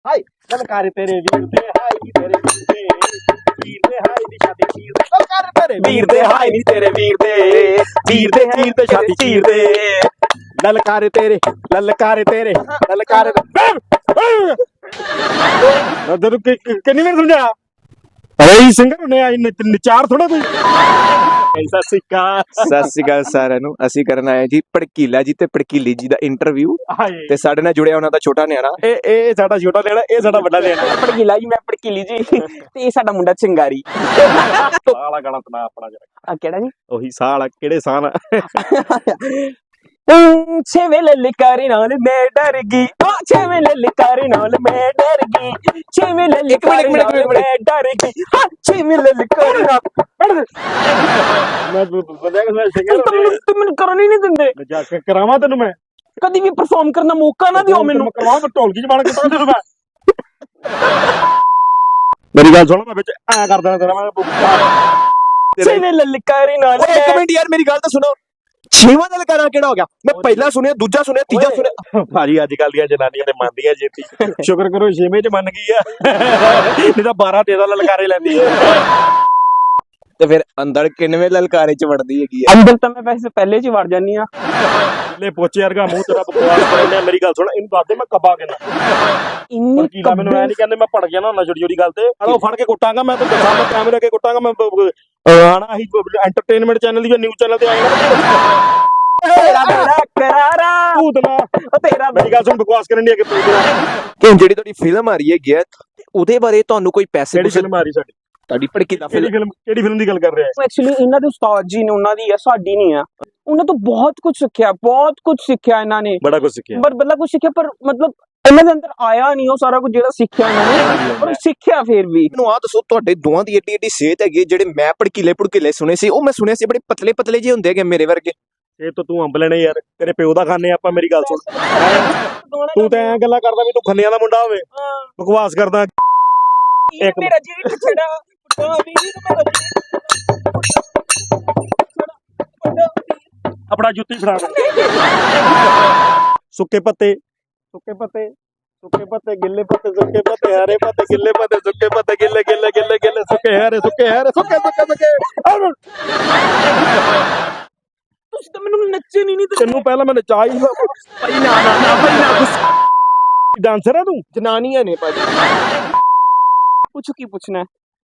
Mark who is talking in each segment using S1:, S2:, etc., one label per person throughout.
S1: High ਲਲਕਾਰ ਤੇਰੇ ਵੀਰ ਦੇ high ਨੀ ਤੇਰੇ ਵੀਰ ਦੇ ਹਾਈ ਦੀ ਸ਼ਾਦੀ ਚੀਰ ਦੇ ਲਲਕਾਰ ਤੇਰੇ ਵੀਰ ਦੇ ਹਾਈ ਨੀ ਤੇਰੇ ਵੀਰ ਦੇ ਸ਼ਾਦੀ ਚੀਰ ਦੇ ਲਲਕਾਰ ਤੇਰੇ ਨਦਰ ਕਿੰਨੀ ਵਾਰ ਸਮਝਾਇਆ ਅਰੇ ਸਿੰਗਰ ਨੇ ਆਈ ਨਚਾਰ ਥੋੜਾ ਕੋਈ ਸਤਿ ਸ਼੍ਰੀ ਅਕਾਲ
S2: ਸਾਰਿਆਂ ਨੂੰ। ਅਸੀਂ ਕਰਨ ਆਏ ਜੀ ਭੜਕੀਲਾ ਜੀ ਤੇ ਭੜਕੀਲੀ ਜੀ ਦਾ ਇੰਟਰਵਿਊ ਤੇ ਸਾਡੇ ਨਾਲ ਜੁੜਿਆ ਉਹਨਾਂ ਦਾ ਛੋਟਾ ਨਿਆਣਾ।
S1: ਇਹ ਸਾਡਾ ਛੋਟਾ ਨਿਆਣਾ, ਇਹ ਸਾਡਾ ਵੱਡਾ ਨਿਆਣਾ।
S3: ਭੜਕੀਲਾ ਜੀ, ਮੈਂ ਭੜਕੀਲੀ ਜੀ ਤੇ ਇਹ ਸਾਡਾ ਮੁੰਡਾ ਚਿੰਗਾਰੀ।
S1: ਸਾਲਾ ਗਾਣਾ ਸੁਣਾ ਆਪਣਾ ਜਰਾ।
S3: ਕਿਹੜਾ ਜੀ?
S1: ਉਹੀ ਸਾਲ ਕਿਹੜੇ ਸਾਲ
S3: ਛੇਵੇਂ ਲਲਕਾਰੇ ਨਾਲ ਮੈਂ ਡਰ ਗਈ, ਛੇਵੇਂ ਲਲਕਾਰੇ ਨਾਲ ਮੈਂ ਡਰ ਗਈ, ਛੇਵੇਂ ਲਲਕਾਰੇ ਨਾਲ ਮੈਂ ਡਰ ਗਈ, ਛੇਵੇਂ ਲਲਕਾਰੇ ਨਾਲ
S1: ਮੈਂ ਬੰਦਿਆ ਕਿ ਸਿੰਗਰ
S3: ਤੂੰ ਮੈਨੂੰ ਕਰਨ ਹੀ ਨਹੀਂ ਦਿੰਦੇ।
S1: ਜਾ ਕੇ ਕਰਾਵਾਂ ਤੈਨੂੰ ਮੈਂ
S3: ਕਦੀ ਵੀ ਪਰਫਾਰਮ ਕਰਨ ਦਾ ਮੌਕਾ ਨਾ ਦਿਓ ਮੈਨੂੰ।
S1: ਕਰਾਵਾਂ ਢੋਲਕੀ ਚ ਬਣ ਕੇ ਤੈਨੂੰ ਮੈਂ ਮੇਰੀ ਗੱਲ ਸੁਣ, ਮੈਂ ਵਿੱਚ ਐ ਕਰ ਦੇਣਾ ਤੇਰਾ ਮੈਂ
S3: ਛੇਵੇਂ ਲਲਕਾਰੇ ਨਾਲ।
S2: ਇੱਕ ਮਿੰਟ ਯਾਰ, ਮੇਰੀ ਗੱਲ ਤਾਂ ਸੁਣੋ। ਛੇਵਾਂ ਦਾ ਲਲਕਾਰਾ ਕਿਹੜਾ ਹੋ ਗਿਆ? ਮੈਂ ਪਹਿਲਾ ਸੁਣਿਆ, ਦੂਜਾ ਸੁਣਿਆ, ਤੀਜਾ ਸੁਣਿਆ।
S1: ਭਾਜੀ ਅੱਜ ਕੱਲ ਦੀਆਂ ਜਨਾਨੀਆਂ ਤੇ ਮੰਨਦੀਆਂ ਜੇਤੀ, ਸ਼ੁਕਰ ਕਰੋ 6ਵੇਂ ਚ ਮੰਨ ਗਈ ਆ, ਨਹੀਂ ਤਾਂ 12 13 ਲਲਕਾਰੇ ਲੈਂਦੀ ਆ।
S2: ਤੇ ਫਿਰ ਅੰਦਰ ਕਿੰਨਵੇਂ ਲਲਕਾਰੇ ਚ ਵੜਦੀ ਹੈਗੀ ਆ?
S3: ਅੰਦਰ ਤਾਂ ਮੈਂ ਵੈਸੇ ਪਹਿਲੇ ਚ ਵੜ ਜਾਨੀ ਆ।
S1: ਲੈ ਪੋਚੇ ਵਰਗਾ ਮੂੰਹ ਤੇਰਾ ਬਕਵਾਸ ਕਰਦਾ। ਮੇਰੀ ਗੱਲ ਸੁਣ, ਇਹਨੂੰ ਦੱਸ ਦੇ ਮੈਂ ਕੱਬਾ ਕਿੰਨਾ
S3: ਇੰਨੀ
S1: ਕੀ ਲਾ। ਮੈਨੂੰ ਐ ਨਹੀਂ ਕਹਿੰਦੇ ਮੈਂ ਪੜ ਗਿਆ ਨਾ ਛੋਟੀ ਛੋਟੀ ਗੱਲ ਤੇ ਹਲੋ ਫੜ ਕੇ ਕੁੱਟਾਂਗਾ ਮੈਂ। ਤੈਨੂੰ ਦੱਸਾਂ, ਮੈਂ ਕੈਮਰੇ ਅੱਗੇ ਕੁੱਟਾਂਗਾ ਮੈਂ। ਆਣਾ ਹੀ ਐਂਟਰਟੇਨਮੈਂਟ ਚੈਨਲ ਦੀ ਜਾਂ ਨਿਊਜ਼ ਚੈਨਲ ਤੇ ਆਏਗਾ
S3: ਤੇਰਾ ਬੜਾ ਕਰਾਰਾ
S1: ਭੂਤਨਾ।
S3: ਤੇਰਾ।
S1: ਮੇਰੀ ਗੱਲ ਸੁਣ, ਬਕਵਾਸ ਕਰਨ ਦੀ ਅੱਗੇ ਭੂਤਨਾ।
S2: ਕਿ ਜਿਹੜੀ ਤੁਹਾਡੀ ਫਿਲਮ ਆ ਰਹੀ ਹੈਗੀ ਆ, ਉਹਦੇ ਬਾਰੇ ਤੁਹਾਨੂੰ ਕੋਈ ਪੈਸੇ
S1: ਕਿਹੜੀ ਫਿਲਮ ਆ ਰਹੀ ਸਾਡੀ?
S2: ਤੁਹਾਡੀ ਭੜਕੀਲਾ
S1: ਕਿਹੜੀ ਫਿਲਮ ਦੀ ਗੱਲ ਕਰ ਰਿਹਾ?
S3: ਐਕਚੁਅਲੀ ਇਹਨਾਂ ਦੇ ਉਸਤਾਦ ਜੀ ਨੇ, ਉਹਨਾਂ ਦੀ ਆ, ਸਾਡੀ ਨਹੀਂ ਆ। ਉਹਨਾਂ ਤੋਂ ਬਹੁਤ ਕੁਝ ਸਿੱਖਿਆ ਇਹਨਾਂ ਨੇ।
S1: ਬੜਾ ਕੁਝ ਸਿੱਖਿਆ,
S3: ਬੜਾ ਕੁਝ ਸਿੱਖਿਆ, ਪਰ ਮਤਲਬ ਇਹਨਾਂ ਦੇ ਅੰਦਰ ਆਇਆ ਨਹੀਂ ਉਹ ਸਾਰਾ ਕੁਝ ਜਿਹੜਾ ਸਿੱਖਿਆ ਇਹਨਾਂ ਨੇ, ਪਰ ਸਿੱਖਿਆ ਫਿਰ ਵੀ।
S2: ਮੈਨੂੰ ਆਹ ਦੱਸੋ, ਤੁਹਾਡੇ ਦੋਵਾਂ ਦੀ ਏਡੀ ਸਿਹਤ ਹੈਗੀ। ਜਿਹੜੇ ਮੈਂ ਭੜਕੀਲੇ ਸੁਣੇ ਸੀ, ਉਹ ਮੈਂ ਸੁਣਿਆ ਸੀ ਬੜੇ ਪਤਲੇ ਜਿਹੇ ਹੁੰਦੇ ਹੈਗੇ ਮੇਰੇ ਵਰਗੇ।
S1: ਇਹ ਤਾਂ ਤੂੰ ਅੰਬ ਲੈਣੇ ਯਾਰ, ਤੇਰੇ ਪਿਓ ਦਾ ਖਾਣੇ ਆਪਾਂ। ਮੇਰੀ ਗੱਲ ਸੁਣ, ਤੂੰ ਤਾਂ ਐਂ ਗੱਲਾਂ ਕਰਦਾ ਵੀ ਤੂੰ ਖੰਨਿਆਂ ਦਾ ਮੁੰਡਾ ਹੋਵੇ, ਬਕਵਾਸ ਕਰਦਾ।
S3: ਇੱਕ ਮੇਰਾ ਜੀ ਛੜਾ
S1: ਆਪਣਾ ਜੁੱਤੀ ਫੜਾ। ਸੁੱਕੇ ਪੱਤੇ ਗਿੱਲੇ ਪੱਤੇ, ਸੁੱਕੇ ਪੱਤੇ ਹਰੇ ਪੱਤੇ, ਗਿੱਲੇ ਪੱਤੇ, ਸੁੱਕੇ ਪੱਤੇ, ਗਿੱਲੇ ਸੁੱਕੇ ਹਰੇ ਸੁੱਕੇ।
S3: ਤੁਸੀਂ ਤਾਂ ਮੈਨੂੰ ਨੱਚੇ ਨਹੀਂ
S1: ਤੈਨੂੰ ਪਹਿਲਾਂ ਮੈਂ ਨਚਾ ਹੀ
S3: ਭਾਈ ਨਾ
S1: ਡਾਂਸਰ ਹੈ ਤੂੰ?
S2: ਜਨਾਨੀਆਂ ਨੇ ਭਾਜੀ।
S3: ਪੁੱਛੋ ਕੀ ਪੁੱਛਣਾ।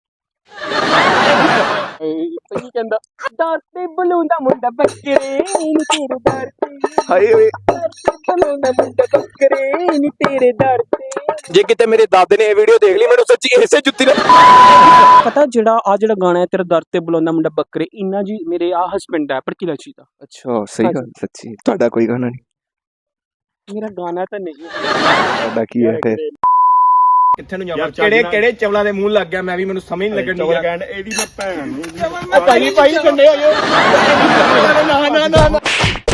S3: ਕੀ ਕਹਿੰਦਾ? ਦਰ ਤੇ ਬਲੂੰਦਾ ਮੁੰਡਾ ਬੱਕਰੇ ਨੀ ਤੇਰੇ ਦਰ ਤੇ।
S2: ਹਾਏ ਓਏ,
S3: ਬਲੂੰਦਾ ਮੁੰਡਾ ਬੱਕਰੇ ਨੀ ਤੇਰੇ ਦਰ ਤੇ।
S2: ਜੇ ਕਿਤੇ ਮੇਰੇ ਦਾਦੇ ਨੇ ਇਹ ਵੀਡੀਓ ਦੇਖ ਲਈ, ਮੈਨੂੰ ਸੱਚੀ ਇਸੇ ਜੁੱਤੀ ਨਾਲ
S3: ਪਤਾ ਜਿਹੜਾ ਗਾਣਾ ਹੈ ਤੇਰਾ ਦਰ ਤੇ ਬੁਲਾਉਂਦਾ ਮੁੰਡਾ ਬੱਕਰੇ, ਇੰਨਾ ਜੀ ਮੇਰੇ ਹਸਬੈਂਡ ਹੈ ਭੜਕੀਲਾ ਜੀ ਦਾ।
S2: ਅੱਛਾ, ਸਹੀ ਗੱਲ। ਸੱਚੀ ਤੁਹਾਡਾ ਕੋਈ ਗਾਣਾ ਨਹੀਂ?
S3: ਮੇਰਾ ਗਾਣਾ ਤਾਂ ਨਹੀਂ।
S2: ਤੁਹਾਡਾ ਕੀ ਹੈ ਫਿਰ?
S1: ਕਿੱਥੇ ਨੂੰ ਜਾਵਾਂ? ਕਿਹੜੇ
S2: ਚਵਲਾਂ ਦੇ ਮੂੰਹ ਲੱਗ ਗਿਆ? ਮੈਂ ਵੀ, ਮੈਨੂੰ ਸਮਝ ਨਹੀਂ ਲੱਗਣ ਦੀ।
S1: ਇਹਦੀ ਮੈਂ ਭੈਣ
S2: ਭਾਈ ਕੰਡੇ ਹੋ ਜਾਓ। ਨਾ